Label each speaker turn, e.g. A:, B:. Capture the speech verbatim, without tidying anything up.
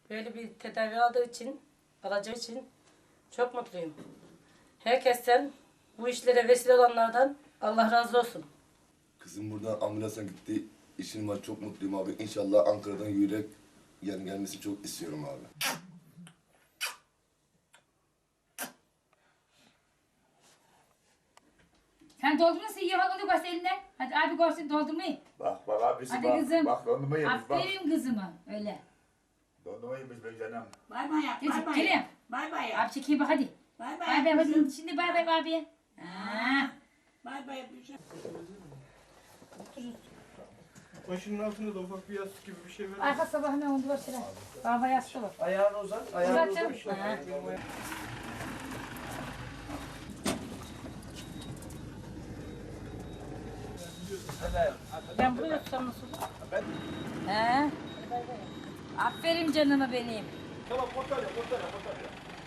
A: Böyle bir tedavi aldığı için, alacağı için çok mutluyum. Herkesten, bu işlere vesile olanlardan Allah razı olsun.
B: Kızım buradan ambulansa gitti. İşim var, çok mutluyum abi. İnşallah Ankara'dan yürek yani gelmesini çok istiyorum abi.
C: Sen doldurmasın iyi bak onu göster elinden. Hadi abi görsün doldurmayı.
D: Bak bak abisi
C: Hadi
D: bak.
C: kızım.
D: Bak dondurma yemiş bak.
C: Aferin kızıma öyle.
D: Dondurma yemiş be canım.
E: Bay bay yap, bay
C: Gel
E: bay
C: gelin.
E: yap. Bay bay yap.
C: Abi çekeyim bak hadi.
E: Bay bay
C: Bay bay
E: yap.
C: hadi. Şimdi bay bay abiye. Ha.
E: Bay bay yap.
F: Başının altında da ufak bir yastık gibi bir şey ver.
C: Arka sabah hemen onu var sıra. Baba yastığı var.
F: Ayağını uzat. Ayağını
C: Uzat
F: uzat.
C: canım. Ha.
A: Ben buraya tutsam nasıl olur?
C: He. Aferin canıma benim.
F: Tamam, kurtar ya, kurtar ya, kurtar ya.